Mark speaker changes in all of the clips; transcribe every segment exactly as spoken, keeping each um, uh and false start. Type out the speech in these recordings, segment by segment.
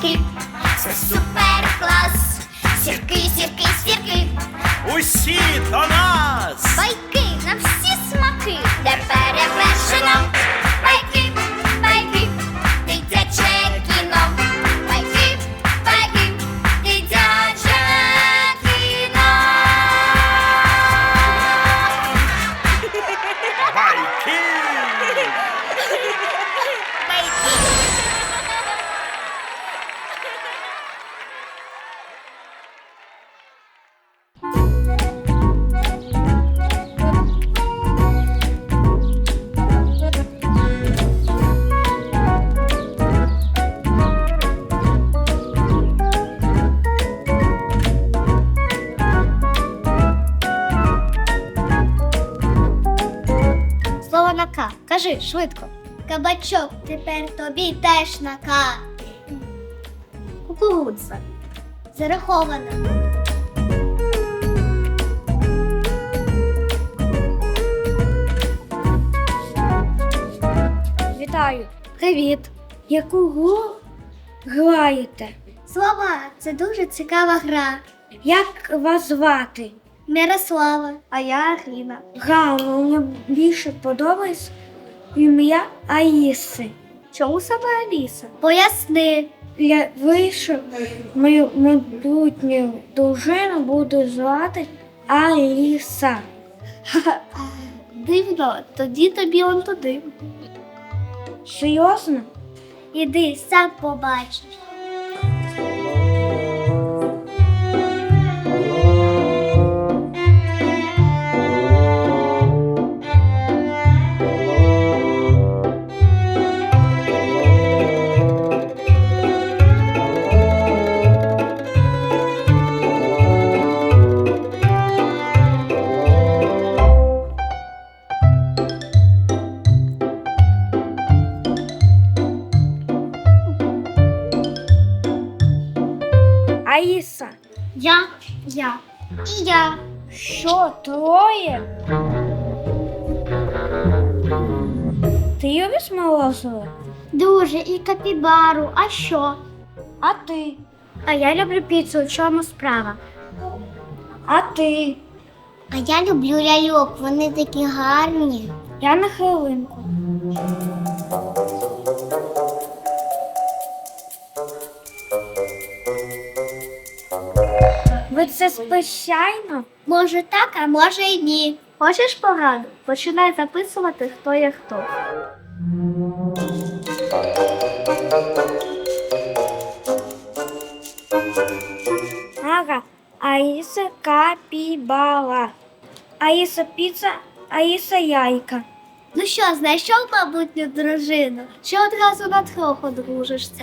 Speaker 1: смаки, це супер клас. Сірки, сірки, сірки,
Speaker 2: Усі до нас!
Speaker 1: байки на всі смаки, де перевершено. Байки, байки, дитяче кіно. Байки, байки, дитяче кіно.
Speaker 2: Байки!
Speaker 1: Слово на К. Кажи швидко. Кабачок, тепер тобі теж на К. Кукурудза. Зараховано.
Speaker 3: Вітаю. Привіт. Яку гру граєте?
Speaker 1: Слова – це дуже цікава гра.
Speaker 3: Як вас звати?
Speaker 1: Мирослава, а я Аріна.
Speaker 3: Грала, мені більше подобається ім'я Аїси.
Speaker 1: Чому саме Аліса? Поясни.
Speaker 3: Я вийшов, мою майбутню дружину буду звати Аліса.
Speaker 1: Дивно, тоді тобі он туди.
Speaker 3: Серйозно?
Speaker 1: Іди, сам побачиш.
Speaker 3: Аїса.
Speaker 1: Я, я і я.
Speaker 3: Що, троє? Ти любиш морозиво?
Speaker 1: Дуже, і капібару. А що?
Speaker 3: А ти?
Speaker 1: А я люблю піцу. В чому справа?
Speaker 3: А ти?
Speaker 1: А я люблю ляльок. Вони такі гарні.
Speaker 3: Я на хвилинку. Ви це спеціально?
Speaker 1: Може так, а може і ні. Хочеш пораду? Починай записувати, хто є хто.
Speaker 3: Ага. Аїса капібала. Аїса піца, Аїса яйка.
Speaker 1: Ну що, знайшов майбутню дружину? Чи одразу на трьох одружишся?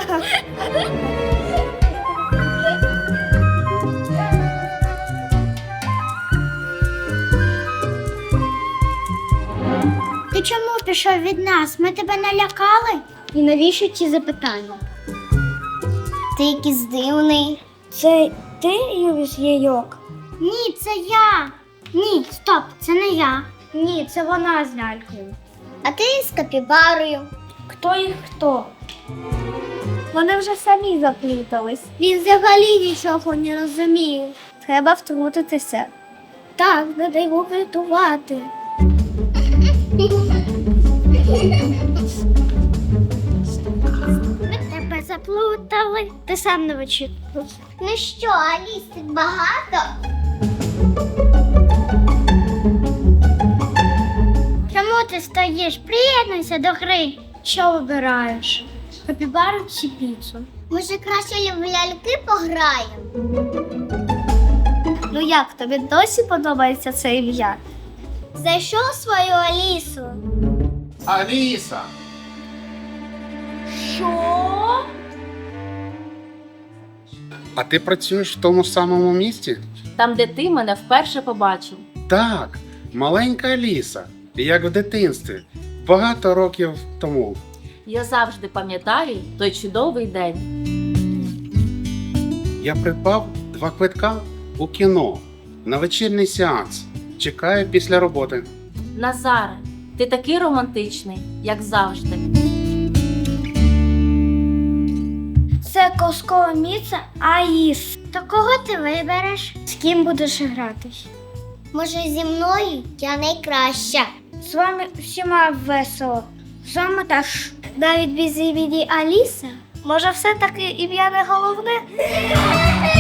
Speaker 1: Ти чому пішов від нас? Ми тебе налякали? І навіщо ці запитання? Ти якийсь дивний.
Speaker 3: Це ти любиш яйок?
Speaker 1: Ні, це я. Ні, стоп, це не я. Ні, це вона з лялькою. А ти з капібарою.
Speaker 3: Хто і хто?
Speaker 1: Вони вже самі заплутались. Він взагалі нічого не розуміє. Треба втрутитися. Так, не дай його врятувати. Ми тебе заплутали. Ти сам не вичитав. Ну що, Аліс, тут багато? Чому ти стоїш? Приєднуйся до гри.
Speaker 3: Що вибираєш? Капібару чи піцу?
Speaker 1: Може, краще в ляльки пограємо? Ну як, тобі досі подобається це ім'я? Знайшов свою Алісу?
Speaker 2: Аліса!
Speaker 3: Що?
Speaker 4: А ти працюєш в тому самому місті?
Speaker 5: Там, де ти мене вперше побачив.
Speaker 4: Так, маленька Аліса, як в дитинстві, багато років тому.
Speaker 5: Я завжди пам'ятаю той чудовий день.
Speaker 4: Я придбав два квитка у кіно на вечірній сеанс. Чекаю після роботи.
Speaker 5: Назаре, ти такий романтичний, як завжди.
Speaker 3: Це колоскове місце Аїс. То кого ти вибереш? З ким будеш гратись?
Speaker 1: Може, зі мною я найкраща.
Speaker 3: З вами всіма весело. З вами теж. Навіть без імені Аліса? Може, все-таки ім'я не головне?